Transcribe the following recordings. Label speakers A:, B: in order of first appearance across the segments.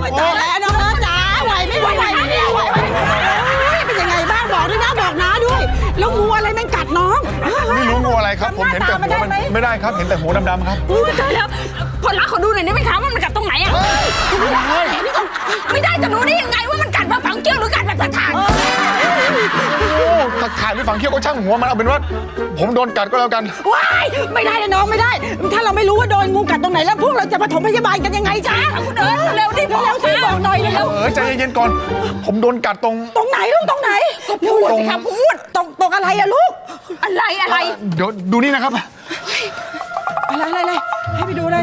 A: ตายแล้วน้องจ๋าไหวไม่ไหวเนี่ยไหวเป็นยังไงบ้างบอกด้วยนะบอกน้าด้วยแล้วงูอะไรมันกัดน้อง
B: ไม่รู้งูอะไรครับผมเห็นแต่หัวมันไม่ได้ครับเห็นแต่หัวดำๆครับ
C: ตายแล้วผลลัพธ์เขาดูหน่อยได้ไหมคะว่ามันกัดตรงไหนอะไม่ได้จะรู้ได้ยังไงว่ามันกัดแบบฝังเกี้ยวหรือกัดแบบถ่าน
B: ตะข่ายหรือฝังเขี้ยวก็ช่างหัวมันเอาเป็นว่าผมโดนกัดก็แล้วกัน
A: ว้ายไม่ได้นะน้องไม่ได้ ถ้าเราไม่รู้ว่าโดนงูกัดตรงไหนแล้วพวกเราจะปฐมพยาบาลกันยังไงจ๊ะเร็วดิเร็วสิบอกหน่อยเร็ว
B: ใจเย็นๆก่อน ผมโดนกัดตรง
A: ไหนลูกตรงไหนก็พูดสิครับพูดตรงอะไรอะลูกอะไร
B: เดี๋ยวดูนี่นะครับ
A: อะไรให้ไปดูเลย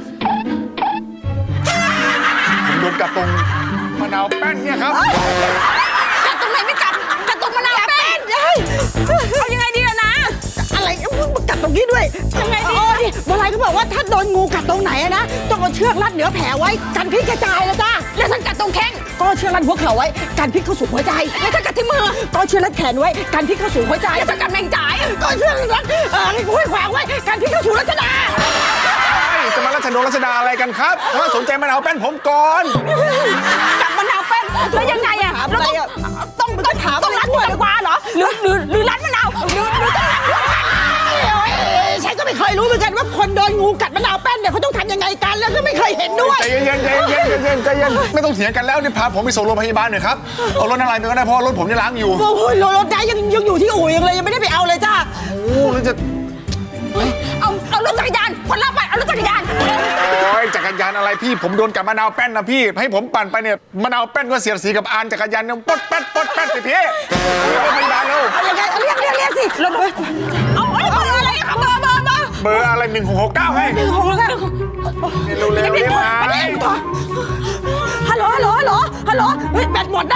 B: ผมโดนกัดตรงมะนาวแป้นเนี่ยครับ
C: กัดตรงไหนไม่กัดตรงมะนาวแป้นเอายังไงดีล่ะนะ
A: อะไรกัดตรงนี้ด้วยยังไงดีนี่โบราณเขาบอกว่าถ้าโดนงูกัดตรงไหนนะต้องเอาเชือกรัดเหนือแผลไว้กันพิษกระจายนะจ้า
C: แล้วถ้ากัดตรงแข้ง
A: ก็เชือกรัดหัวเข่าไว้กันพิษเข้าสู่หัวใจ
C: แล้วถ้ากัดที่มือ
A: ก็เชือกรัดแขนไว้กันพิษเข้าสู่หัวใจ
C: แล้วถ้ากัดแมงจ่าย
A: ก็เชือกรัดห้วยขวางไว้กันพิษเข้าสู่รัชดา
B: จะมารัชดาอะไรกันครับถ้าสนใจมะนาวแป้นผมก่อน
C: กัดมะนาวแป้นแล้วยังไงอะเราต้องถามต้องรัดหัวดีกว่าเหรอหรือรัดมะนาวหรือต้องรัดหัว
A: ฉันก็ไม่เคยรู้เหมือนกันว่าคนโดนงูกัดมะนาวแป้นเนี่ยเขาต้องทำยังไงกันแล้วก็ไม่เคยเห็นด้วย
B: ใจเย็นไม่ต้องเถียงกันแล้วนี่พาผมไปส่งโรงพยาบาลหน่อยครับเอารถอะไรไปก็ได้เพราะรถผมจะล้างอยู่
A: โอ้ยรถได้ยังอยู่ที่อู่ยังเลยยังไม่ได้ไปเอาเลยจ้า
B: โอ้แล้วจะ
C: เอารถจักรยานคนละไปเอารถจักรยาน
B: โอ้ยจักรยานอะไรพี่ผมโดนกับมะนาวแป้นนะพี่ให้ผมปั่นไปเนี่ยมะนาวแป้นก็เสียดสีกับอานจักรยานเนี่ยปดแป๊ดสิพี่โรงพยาบาลแล้ว
A: ยังไงเรียกสิรถ
C: เอาเบอร์อะไรคะเบอร์
B: อะไร1669ให้
A: 1669
B: เร็วได้ไหม
A: ฮัลโหลเฮ้ยแบตหมดได้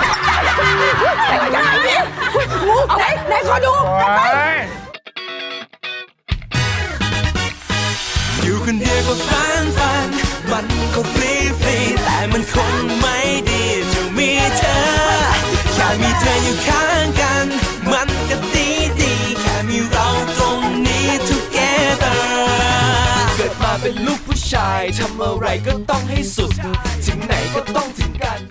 A: ยังไงเนี่ยงูไหนขอดู
D: อยู่คนเดียวก็ฟันมันก็ฟรีแต่มันคงไม่ดีจะมีเธอแค่มีเธออยู่ข้างกันมันก็ดีแค่มีเราตรงนี้ together เกิดมาเป็นลูกผู้ชายทำอะไรก็ต้องให้สุดถึงไหนก็ต้องถึงกัน